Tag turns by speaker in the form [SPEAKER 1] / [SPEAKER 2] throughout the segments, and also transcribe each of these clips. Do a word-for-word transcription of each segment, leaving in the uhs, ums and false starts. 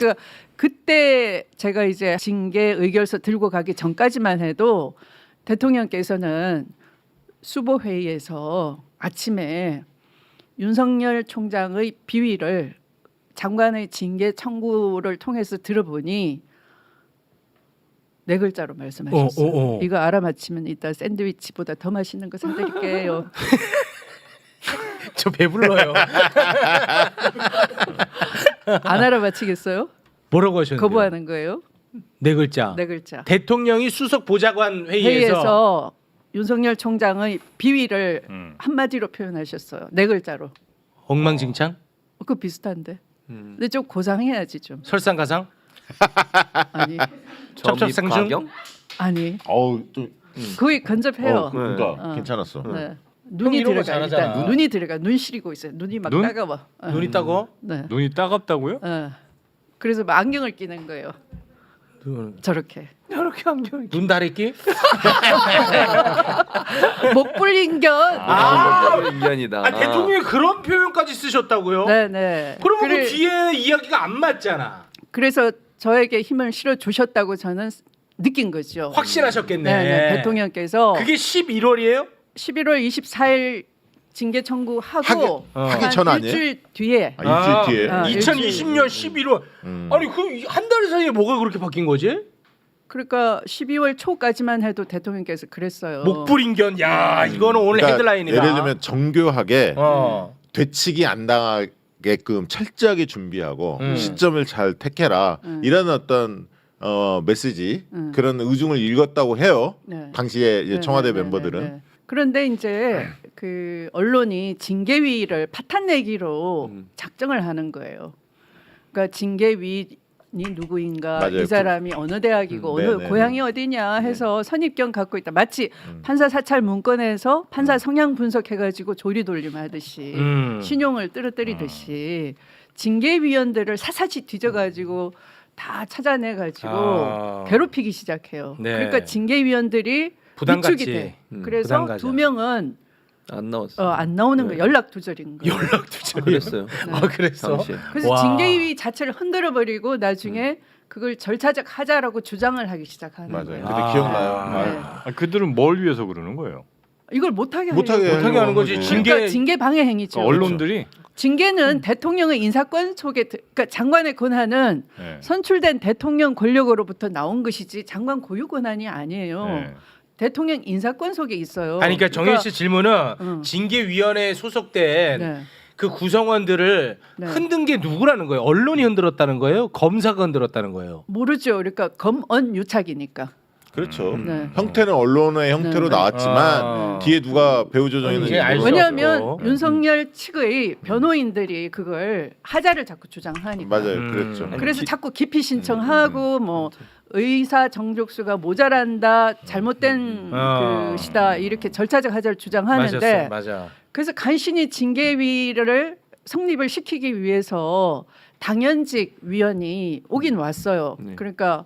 [SPEAKER 1] 그러니까 그때 제가 이제 징계 의결서 들고 가기 전까지만 해도 대통령께서는 수보 회의에서 아침에 윤석열 총장의 비위를 장관의 징계 청구를 통해서 들어보니 네 글자로 말씀하셨어요.
[SPEAKER 2] 어, 어, 어.
[SPEAKER 1] 이거 알아맞히면 이따 샌드위치보다 더 맛있는 거 사드릴게요.
[SPEAKER 2] 저 배불러요.
[SPEAKER 1] 안 알아맞히겠어요?
[SPEAKER 2] 뭐라고 하셨는데요?
[SPEAKER 1] 거부하는 거예요?
[SPEAKER 2] 네 글자.
[SPEAKER 1] 네 글자.
[SPEAKER 2] 대통령이 수석 보좌관 회의에서,
[SPEAKER 1] 회의에서 윤석열 총장의 비위를
[SPEAKER 3] 음.
[SPEAKER 1] 한마디로 표현하셨어요. 네 글자로.
[SPEAKER 2] 엉망진창?
[SPEAKER 1] 어, 그거 비슷한데.
[SPEAKER 2] 음.
[SPEAKER 1] 근데 좀 고상해야지 좀.
[SPEAKER 2] 설상가상?
[SPEAKER 1] 아니
[SPEAKER 2] 첩첩상중?
[SPEAKER 4] 가경?
[SPEAKER 1] 아니
[SPEAKER 3] 어우 또
[SPEAKER 1] 거의 근접해요.
[SPEAKER 3] 어, 그러니까
[SPEAKER 1] 어.
[SPEAKER 3] 괜찮았어.
[SPEAKER 1] 네. 눈이
[SPEAKER 2] 이런 거
[SPEAKER 1] 들어가
[SPEAKER 2] 잘하잖아.
[SPEAKER 1] 일단 눈이 들어가 눈 시리고 있어요. 눈이 막
[SPEAKER 5] 눈?
[SPEAKER 1] 따가워. 어.
[SPEAKER 2] 눈이 따고?
[SPEAKER 1] 네.
[SPEAKER 5] 눈이 따갑다고요?
[SPEAKER 1] 어. 그래서 막 안경을 끼는 거예요. 저렇게
[SPEAKER 2] 이렇게 안경. 눈 다래끼?
[SPEAKER 1] 목 불린견.
[SPEAKER 2] 아,
[SPEAKER 4] 인연이다.
[SPEAKER 2] 아, 대통령이 그런 표현까지 쓰셨다고요?
[SPEAKER 1] 네네.
[SPEAKER 2] 그러면
[SPEAKER 1] 그래-
[SPEAKER 2] 그 뒤에 이야기가 안 맞잖아.
[SPEAKER 1] 그래서 저에게 힘을 실어 주셨다고 저는 느낀 거죠.
[SPEAKER 2] 확신하셨겠네.
[SPEAKER 1] 네, 네. 대통령께서
[SPEAKER 2] 그게 십일월이에요?
[SPEAKER 1] 십일월 이십사일 징계 청구하고
[SPEAKER 3] 하기-
[SPEAKER 2] 어.
[SPEAKER 3] 하기
[SPEAKER 1] 한
[SPEAKER 3] 전 아니에요?
[SPEAKER 1] 일주일 뒤에
[SPEAKER 3] 아, 일주일 뒤에.
[SPEAKER 1] 아,
[SPEAKER 2] 이천이십 년 십일월.
[SPEAKER 3] 음.
[SPEAKER 2] 아니 그 한 달 사이에 뭐가 그렇게 바뀐 거지?
[SPEAKER 1] 그러니까 십이월 초까지만 해도 대통령께서 그랬어요.
[SPEAKER 2] 목불인견. 야, 이거는 오늘
[SPEAKER 3] 그러니까
[SPEAKER 2] 헤드라인이다.
[SPEAKER 3] 예를 들면 정교하게
[SPEAKER 2] 어.
[SPEAKER 3] 되치기 안 당하게끔 철저하게 준비하고
[SPEAKER 2] 음.
[SPEAKER 3] 시점을 잘 택해라
[SPEAKER 1] 음.
[SPEAKER 3] 이런 어떤 어, 메시지
[SPEAKER 1] 음.
[SPEAKER 3] 그런 의중을 읽었다고 해요.
[SPEAKER 1] 네.
[SPEAKER 3] 당시에 이제
[SPEAKER 1] 네,
[SPEAKER 3] 청와대
[SPEAKER 1] 네, 네,
[SPEAKER 3] 멤버들은
[SPEAKER 1] 네, 네. 그런데 이제 그 언론이 징계위를 파탄내기로
[SPEAKER 4] 음.
[SPEAKER 1] 작정을 하는 거예요. 그러니까 징계위니 누구인가,
[SPEAKER 3] 맞아요.
[SPEAKER 1] 이 사람이 어느 대학이고
[SPEAKER 3] 음,
[SPEAKER 1] 어느
[SPEAKER 3] 네, 네,
[SPEAKER 1] 고향이
[SPEAKER 3] 네.
[SPEAKER 1] 어디냐 해서 선입견 갖고 있다. 마치
[SPEAKER 3] 음.
[SPEAKER 1] 판사 사찰 문건에서 판사 성향 분석해가지고 조리 돌림하듯이
[SPEAKER 2] 음.
[SPEAKER 1] 신용을 떨어뜨리듯이 징계위원들을 사사치 뒤져가지고 다 찾아내가지고
[SPEAKER 2] 아.
[SPEAKER 1] 괴롭히기 시작해요.
[SPEAKER 2] 네.
[SPEAKER 1] 그러니까 징계위원들이
[SPEAKER 2] 부담
[SPEAKER 1] 위축이
[SPEAKER 2] 갖지.
[SPEAKER 1] 돼.
[SPEAKER 4] 음,
[SPEAKER 1] 그래서
[SPEAKER 2] 부담 가져.
[SPEAKER 1] 두 명은
[SPEAKER 4] 안 나왔어.
[SPEAKER 1] 어, 안 나오는
[SPEAKER 4] 네.
[SPEAKER 1] 거예요. 연락 두절인 거예요.
[SPEAKER 2] 연락 두절.
[SPEAKER 4] 그랬어요.
[SPEAKER 2] 아, 그랬어.
[SPEAKER 4] 당시에.
[SPEAKER 1] 그래서
[SPEAKER 2] 와.
[SPEAKER 1] 징계위 자체를 흔들어 버리고 나중에 그걸 절차적 하자라고 주장을 하기 시작하는
[SPEAKER 3] 맞아요.
[SPEAKER 1] 거예요.
[SPEAKER 3] 그때
[SPEAKER 2] 아.
[SPEAKER 3] 기억나요.
[SPEAKER 1] 네.
[SPEAKER 5] 아, 그들은 뭘 위해서 그러는 거예요?
[SPEAKER 1] 이걸 못하게
[SPEAKER 3] 못하게
[SPEAKER 1] 하려고.
[SPEAKER 2] 못하게 하는 거지.
[SPEAKER 3] 거지.
[SPEAKER 2] 징계-
[SPEAKER 1] 그러니까 징계 방해 행위죠.
[SPEAKER 5] 그러니까 언론들이
[SPEAKER 1] 징계는
[SPEAKER 2] 음.
[SPEAKER 1] 대통령의 인사권 속에 들- 그러니까 장관의 권한은
[SPEAKER 5] 네.
[SPEAKER 1] 선출된 대통령 권력으로부터 나온 것이지 장관 고유 권한이 아니에요.
[SPEAKER 5] 네.
[SPEAKER 1] 대통령 인사권 속에 있어요.
[SPEAKER 2] 아니 그러니까 정현 씨 질문은
[SPEAKER 1] 음.
[SPEAKER 2] 징계위원회에 소속된
[SPEAKER 1] 네.
[SPEAKER 2] 그 구성원들을
[SPEAKER 1] 네.
[SPEAKER 2] 흔든 게 누구라는 거예요? 언론이 흔들었다는 거예요? 검사가 흔들었다는 거예요?
[SPEAKER 1] 모르죠. 그러니까 검언 유착이니까.
[SPEAKER 3] 그렇죠.
[SPEAKER 1] 네.
[SPEAKER 3] 형태는 언론의 형태로
[SPEAKER 1] 네.
[SPEAKER 3] 나왔지만
[SPEAKER 2] 아.
[SPEAKER 3] 뒤에 누가 배후 조정했는지
[SPEAKER 2] 이제 알 수
[SPEAKER 3] 모르죠.
[SPEAKER 1] 왜냐하면
[SPEAKER 2] 없죠.
[SPEAKER 1] 윤석열 측의 변호인들이 그걸 하자를 자꾸 주장하니까.
[SPEAKER 3] 맞아요.
[SPEAKER 2] 음.
[SPEAKER 3] 그랬죠.
[SPEAKER 1] 그래서
[SPEAKER 4] 기-
[SPEAKER 1] 자꾸 기피 신청하고 뭐 의사 정족수가 모자란다, 잘못된
[SPEAKER 2] 어.
[SPEAKER 1] 것이다 이렇게 절차적 하자를 주장하는데
[SPEAKER 2] 맞았어, 맞아.
[SPEAKER 1] 그래서 간신히 징계위를 성립을 시키기 위해서 당연직 위원이 오긴 왔어요.
[SPEAKER 4] 네.
[SPEAKER 1] 그러니까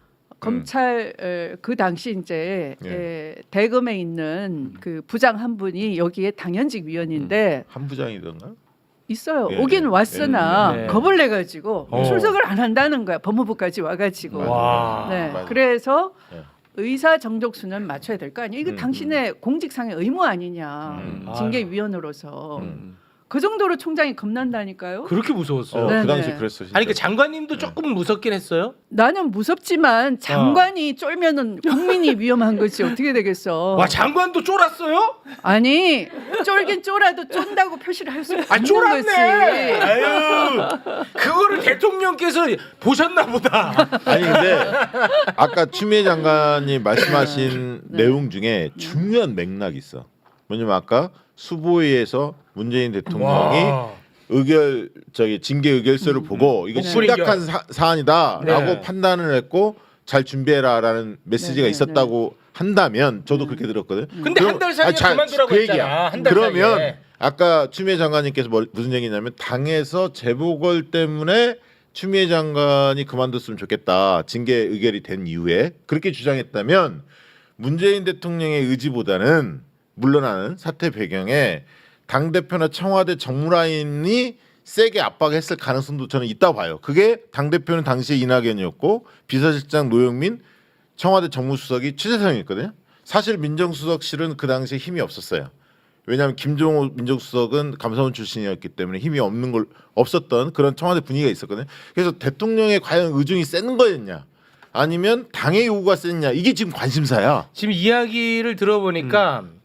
[SPEAKER 1] 검찰 에, 그 당시 이제
[SPEAKER 3] 예.
[SPEAKER 1] 에, 대검에 있는 그 부장 한 분이 여기에 당연직 위원인데
[SPEAKER 3] 한 부장이던가?
[SPEAKER 1] 있어요.
[SPEAKER 3] 예,
[SPEAKER 1] 오긴
[SPEAKER 3] 예,
[SPEAKER 1] 왔으나
[SPEAKER 2] 예, 예.
[SPEAKER 1] 겁을 내 가지고
[SPEAKER 2] 어.
[SPEAKER 1] 출석을 안 한다는 거야. 법무부까지 와 가지고.
[SPEAKER 3] 맞아요.
[SPEAKER 2] 와.
[SPEAKER 1] 네.
[SPEAKER 3] 맞아요.
[SPEAKER 1] 그래서
[SPEAKER 3] 예.
[SPEAKER 1] 의사 정족수는 맞춰야 될 거 아니에요. 이거
[SPEAKER 3] 음,
[SPEAKER 1] 당신의 공직상의 의무 아니냐.
[SPEAKER 3] 음.
[SPEAKER 1] 징계위원으로서.
[SPEAKER 3] 음.
[SPEAKER 1] 그 정도로 총장이 겁난다니까요.
[SPEAKER 2] 그렇게 무서웠어요.
[SPEAKER 3] 어,
[SPEAKER 1] 네,
[SPEAKER 3] 그 당시
[SPEAKER 1] 네.
[SPEAKER 3] 그랬어. 진짜.
[SPEAKER 2] 아니 그 장관님도 조금 무섭긴 했어요.
[SPEAKER 1] 나는 무섭지만 장관이 쫄면은 국민이 위험한 거지 어떻게 되겠어.
[SPEAKER 2] 와 장관도 쫄았어요?
[SPEAKER 1] 아니 쫄긴 쫄아도 쫀다고 표시를 할 수
[SPEAKER 2] 아
[SPEAKER 1] 있는
[SPEAKER 2] 쫄았네.
[SPEAKER 1] 거지.
[SPEAKER 2] 아유 그거를 대통령께서 보셨나 보다.
[SPEAKER 3] 아니 근데 아까 추미애 장관이 말씀하신
[SPEAKER 1] 네.
[SPEAKER 3] 내용 중에 중요한 맥락이 있어. 뭐냐면 아까 수보위에서 문재인 대통령이
[SPEAKER 2] 와.
[SPEAKER 3] 의결 저기 징계 의결서를 보고 이거
[SPEAKER 1] 네.
[SPEAKER 3] 심각한 사, 사안이다라고
[SPEAKER 2] 네.
[SPEAKER 3] 판단을 했고 잘 준비해라라는 메시지가
[SPEAKER 1] 네, 네,
[SPEAKER 3] 있었다고 한다면 저도 그렇게 들었거든.
[SPEAKER 2] 근데 한 달 사이에
[SPEAKER 3] 아니, 잘-
[SPEAKER 2] 그만두라고
[SPEAKER 3] 그
[SPEAKER 2] 했잖아.
[SPEAKER 3] 얘기야.
[SPEAKER 2] 한 달
[SPEAKER 3] 그러면
[SPEAKER 2] 사이에.
[SPEAKER 3] 아까 추미애 장관님께서 뭐, 무슨 얘기냐면 당에서 재보궐 때문에 추미애 장관이 그만뒀으면 좋겠다. 징계 의결이 된 이후에 그렇게 주장했다면 문재인 대통령의 의지보다는 물러나는 사태 배경에 당 대표나 청와대 정무라인이 세게 압박했을 가능성도 저는 있다고 봐요. 그게 당대표는 당시에 이낙연이었고 비서실장 노영민, 청와대 정무수석이 최재성이었거든요. 사실 민정수석실은 그 당시에 힘이 없었어요. 왜냐하면 김종호 민정수석은 감사원 출신이었기 때문에 힘이 없는 걸 없었던 그런 청와대 분위기가 있었거든요. 그래서 대통령의 과연 의중이 센 거였냐 아니면 당의 요구가 셌냐 이게 지금 관심사야.
[SPEAKER 2] 지금 이야기를 들어보니까
[SPEAKER 3] 음.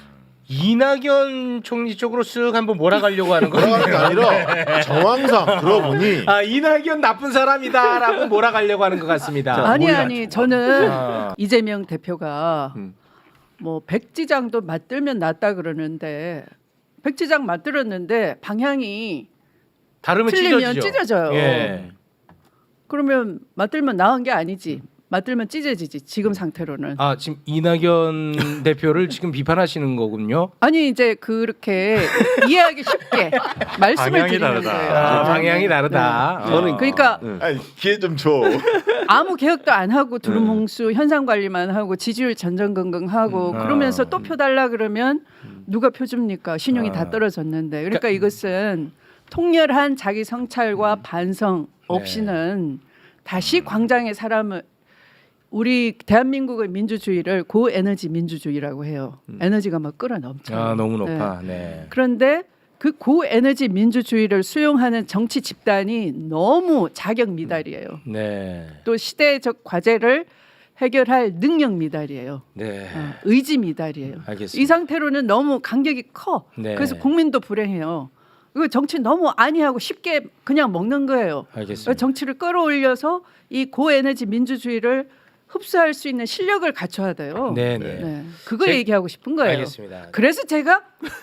[SPEAKER 2] 이낙연 총리 쪽으로 쓱 한번 몰아가려고 하는 거예요.
[SPEAKER 3] 돌아가는 게 아니라 정황상 들어보니
[SPEAKER 2] 아 이낙연 나쁜 사람이다라고 몰아가려고 하는 것 같습니다.
[SPEAKER 1] 아니
[SPEAKER 3] 몰라.
[SPEAKER 1] 아니 저는
[SPEAKER 2] 아.
[SPEAKER 1] 이재명 대표가
[SPEAKER 3] 음.
[SPEAKER 1] 뭐 백지장도 맞들면 낫다 그러는데 백지장 맞들었는데 방향이
[SPEAKER 2] 다르면
[SPEAKER 1] 틀리면
[SPEAKER 2] 찢어지죠.
[SPEAKER 1] 찢어져요.
[SPEAKER 2] 예.
[SPEAKER 1] 그러면 맞들면 나은 게 아니지. 맞들면 찢어지지 지금 상태로는.
[SPEAKER 2] 아 지금 이낙연 대표를 지금 비판하시는 거군요.
[SPEAKER 1] 아니 이제 그렇게 이해하기 쉽게 말씀을
[SPEAKER 5] 방향이
[SPEAKER 1] 드리는
[SPEAKER 5] 다르다.
[SPEAKER 1] 거예요.
[SPEAKER 2] 아,
[SPEAKER 1] 네,
[SPEAKER 2] 방향이
[SPEAKER 1] 네,
[SPEAKER 2] 다르다.
[SPEAKER 1] 네.
[SPEAKER 2] 저는
[SPEAKER 1] 그러니까
[SPEAKER 3] 아니 기회 좀 줘.
[SPEAKER 1] 아무 개혁도 안 하고 두루뭉수 현상 관리만 하고 지지율 전전긍긍하고
[SPEAKER 2] 음.
[SPEAKER 1] 그러면서
[SPEAKER 2] 아.
[SPEAKER 1] 또 표 달라 그러면 누가 표 줍니까? 신용이
[SPEAKER 2] 아.
[SPEAKER 1] 다 떨어졌는데. 그러니까
[SPEAKER 2] 그러니까-
[SPEAKER 1] 이것은 통렬한 자기 성찰과 반성 없이는 다시 광장의 사람을 우리 대한민국의 민주주의를 고에너지 민주주의라고 해요. 에너지가 막 끌어넘쳐요.
[SPEAKER 2] 아 너무
[SPEAKER 1] 네.
[SPEAKER 2] 높아. 네.
[SPEAKER 1] 그런데 그 고에너지 민주주의를 수용하는 정치 집단이 너무 자격 미달이에요.
[SPEAKER 2] 네.
[SPEAKER 1] 또 시대적 과제를 해결할 능력 미달이에요.
[SPEAKER 2] 네.
[SPEAKER 1] 어, 의지 미달이에요.
[SPEAKER 2] 알겠습니다.
[SPEAKER 1] 이 상태로는 너무 간격이 커.
[SPEAKER 2] 네.
[SPEAKER 1] 그래서 국민도 불행해요. 이거 정치 너무 아니하고 쉽게 그냥 먹는 거예요.
[SPEAKER 2] 알겠습니다.
[SPEAKER 1] 정치를 끌어올려서 이 고에너지 민주주의를 흡수할 수 있는 실력을 갖춰야 돼요.
[SPEAKER 2] 네, 네.
[SPEAKER 1] 네. 그거
[SPEAKER 2] 제-
[SPEAKER 1] 얘기하고 싶은 거예요.
[SPEAKER 2] 알겠습니다.
[SPEAKER 1] 그래서 제가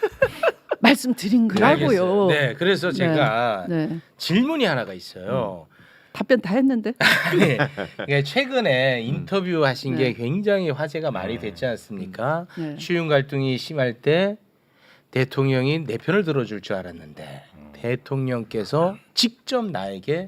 [SPEAKER 1] 말씀드린 거라고요.
[SPEAKER 2] 알겠어요. 네, 그래서 제가
[SPEAKER 1] 네.
[SPEAKER 2] 질문이 하나가 있어요.
[SPEAKER 1] 답변 다 했는데.
[SPEAKER 2] 아니, 이게 최근에 인터뷰 하신
[SPEAKER 1] 네.
[SPEAKER 2] 게 굉장히 화제가 많이 됐지 않습니까?
[SPEAKER 1] 네.
[SPEAKER 2] 추윤 갈등이 심할 때 대통령이 내 편을 들어줄 줄 알았는데 대통령께서 직접 나에게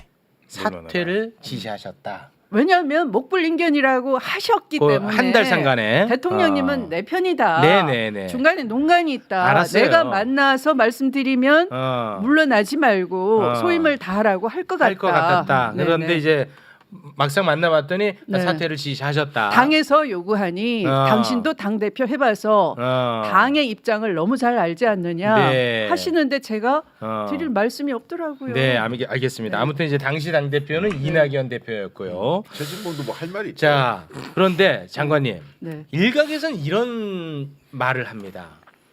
[SPEAKER 2] 사퇴를 지시하셨다.
[SPEAKER 1] 왜냐하면 목불인견이라고 하셨기
[SPEAKER 2] 그
[SPEAKER 1] 때문에
[SPEAKER 2] 한 달 상간에
[SPEAKER 1] 대통령님은
[SPEAKER 2] 어.
[SPEAKER 1] 내 편이다.
[SPEAKER 2] 네네네.
[SPEAKER 1] 중간에 농간이 있다.
[SPEAKER 2] 알았어요.
[SPEAKER 1] 내가 만나서 말씀드리면
[SPEAKER 2] 어,
[SPEAKER 1] 물러나지 말고
[SPEAKER 2] 어.
[SPEAKER 1] 소임을 다하라고 할 것 같다.
[SPEAKER 2] 할 것 같았다.
[SPEAKER 1] 네네.
[SPEAKER 2] 그런데 이제 막상 만나봤더니
[SPEAKER 1] 네.
[SPEAKER 2] 사퇴를 지시하셨다.
[SPEAKER 1] 당에서 요구하니
[SPEAKER 2] 어.
[SPEAKER 1] 당신도 당 대표 해봐서
[SPEAKER 2] 어.
[SPEAKER 1] 당의 입장을 너무 잘 알지 않느냐
[SPEAKER 2] 네.
[SPEAKER 1] 하시는데 제가
[SPEAKER 2] 어.
[SPEAKER 1] 드릴 말씀이 없더라고요.
[SPEAKER 2] 네, 알- 알겠습니다.
[SPEAKER 1] 네.
[SPEAKER 2] 아무튼 이제 당시 당 대표는 이낙연 대표였고요.
[SPEAKER 3] 최진봉도 뭐 할 말이 있죠.
[SPEAKER 2] 자, 그런데 장관님
[SPEAKER 1] 네.
[SPEAKER 2] 일각에서는 이런 말을 합니다.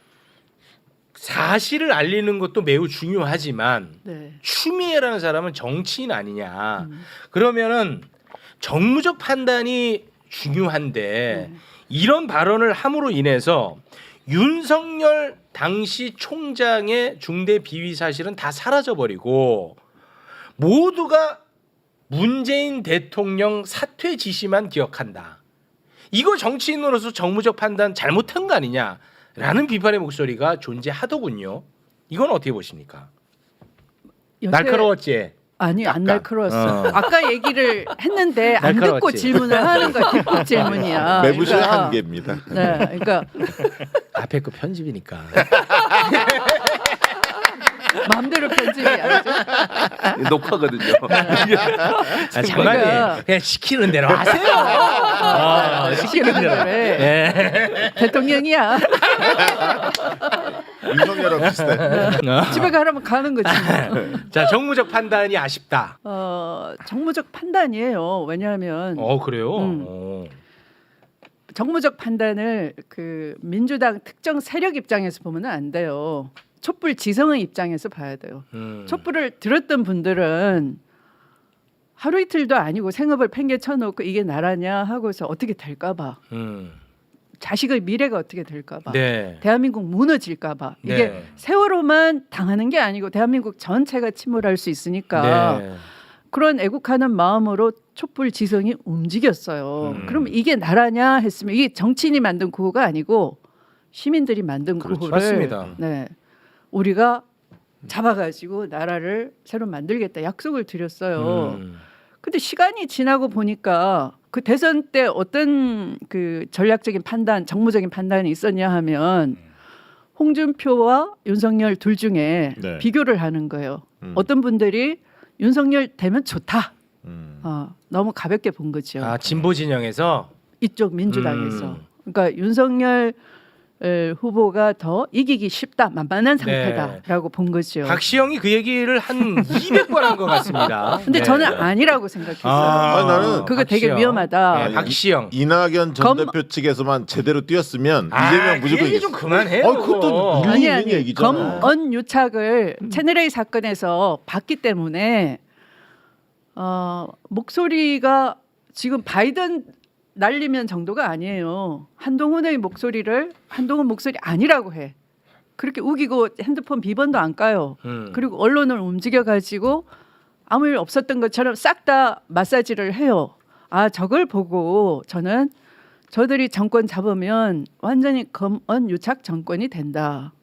[SPEAKER 2] 사실을 알리는 것도 매우 중요하지만
[SPEAKER 1] 네.
[SPEAKER 2] 추미애라는 사람은 정치인 아니냐.
[SPEAKER 1] 음.
[SPEAKER 2] 그러면은 정무적 판단이 중요한데
[SPEAKER 1] 음.
[SPEAKER 2] 이런 발언을 함으로 인해서 윤석열 당시 총장의 중대 비위 사실은 다 사라져 버리고 모두가 문재인 대통령 사퇴 지시만 기억한다. 이거 정치인으로서 정무적 판단 잘못한 거 아니냐라는 비판의 목소리가 존재하더군요. 이건 어떻게 보십니까?
[SPEAKER 1] 여태-
[SPEAKER 2] 날카로웠지.
[SPEAKER 1] 아니 안
[SPEAKER 3] 약간.
[SPEAKER 1] 날카로웠어.
[SPEAKER 2] 어.
[SPEAKER 1] 아까 얘기를 했는데 안 듣고
[SPEAKER 2] 날카로웠지.
[SPEAKER 1] 질문을 하는 거야. 뒷북 질문이야.
[SPEAKER 3] 매부쇼의
[SPEAKER 1] 그러니까-
[SPEAKER 3] 한계입니다.
[SPEAKER 1] 네, 그러니까
[SPEAKER 2] 앞에 거 편집이니까.
[SPEAKER 1] 마음대로 편집이 아니죠.
[SPEAKER 4] 녹화거든요.
[SPEAKER 2] 아, 장관님
[SPEAKER 1] 그러니까-
[SPEAKER 2] 그냥 시키는 대로 하세요. 아, 시키는 대로.
[SPEAKER 1] 그래.
[SPEAKER 2] 네.
[SPEAKER 1] 대통령이야.
[SPEAKER 3] 윤석열하고 비슷해.
[SPEAKER 1] 집에 가라면 가는 거지.
[SPEAKER 2] 자, 정무적 판단이 아쉽다.
[SPEAKER 1] 어, 정무적 판단이에요. 왜냐하면
[SPEAKER 2] 어 그래요.
[SPEAKER 1] 음.
[SPEAKER 2] 어.
[SPEAKER 1] 정무적 판단을 그 민주당 특정 세력 입장에서 보면 안 돼요. 촛불 지성의 입장에서 봐야 돼요.
[SPEAKER 2] 음.
[SPEAKER 1] 촛불을 들었던 분들은 하루 이틀도 아니고 생업을 팽개쳐놓고 이게 나라냐 하고서 어떻게 될까봐
[SPEAKER 2] 음.
[SPEAKER 1] 자식의 미래가 어떻게 될까봐
[SPEAKER 2] 네.
[SPEAKER 1] 대한민국 무너질까봐 이게
[SPEAKER 2] 네.
[SPEAKER 1] 세월호만 당하는 게 아니고 대한민국 전체가 침몰할 수 있으니까
[SPEAKER 2] 네.
[SPEAKER 1] 그런 애국하는 마음으로 촛불 지성이 움직였어요.
[SPEAKER 2] 음.
[SPEAKER 1] 그럼 이게 나라냐 했으면 이게 정치인이 만든 구호가 아니고 시민들이 만든
[SPEAKER 2] 그렇죠.
[SPEAKER 1] 구호를
[SPEAKER 2] 맞습니다.
[SPEAKER 1] 네, 우리가 잡아가지고 나라를 새로 만들겠다 약속을 드렸어요.
[SPEAKER 2] 음.
[SPEAKER 1] 근데 시간이 지나고 보니까 그 대선 때 어떤 그 전략적인 판단, 정무적인 판단이 있었냐 하면 홍준표와 윤석열 둘 중에
[SPEAKER 3] 네.
[SPEAKER 1] 비교를 하는 거예요.
[SPEAKER 3] 음.
[SPEAKER 1] 어떤 분들이 윤석열 되면 좋다.
[SPEAKER 3] 음.
[SPEAKER 1] 어, 너무 가볍게 본 거죠.
[SPEAKER 2] 아 진보 진영에서
[SPEAKER 1] 이쪽 민주당에서.
[SPEAKER 2] 음.
[SPEAKER 1] 그러니까 윤석열 에, 후보가 더 이기기 쉽다, 만만한
[SPEAKER 2] 네.
[SPEAKER 1] 상태다라고 본 거죠.
[SPEAKER 2] 박시영이 그 얘기를 한 이백 번 한 것 같습니다.
[SPEAKER 1] 근데
[SPEAKER 2] 네.
[SPEAKER 1] 저는 아니라고 생각했어요.
[SPEAKER 2] 아,
[SPEAKER 3] 아니, 나는
[SPEAKER 1] 그거 되게
[SPEAKER 2] 박시영.
[SPEAKER 1] 위험하다.
[SPEAKER 2] 네, 박시영.
[SPEAKER 3] 이낙연 전
[SPEAKER 1] 검-
[SPEAKER 3] 대표 측에서만 제대로 뛰었으면
[SPEAKER 2] 아,
[SPEAKER 3] 이재명
[SPEAKER 2] 그
[SPEAKER 3] 무조건
[SPEAKER 2] 얘기 좀
[SPEAKER 3] 이겼어.
[SPEAKER 2] 그만해요.
[SPEAKER 3] 아, 그것도
[SPEAKER 2] 그거.
[SPEAKER 3] 일리
[SPEAKER 1] 아니
[SPEAKER 3] 있는
[SPEAKER 1] 아니
[SPEAKER 3] 얘기잖아.
[SPEAKER 1] 검언 유착을 채널A 사건에서 봤기 때문에 어, 목소리가 지금 바이든 날리면 정도가 아니에요. 한동훈의 목소리를 한동훈 목소리 아니라고 해. 그렇게 우기고 핸드폰 비번도 안 까요.
[SPEAKER 2] 음.
[SPEAKER 1] 그리고 언론을 움직여 가지고 아무 일 없었던 것처럼 싹 다 마사지를 해요. 아 저걸 보고 저는 저들이 정권 잡으면 완전히 검언 유착 정권이 된다.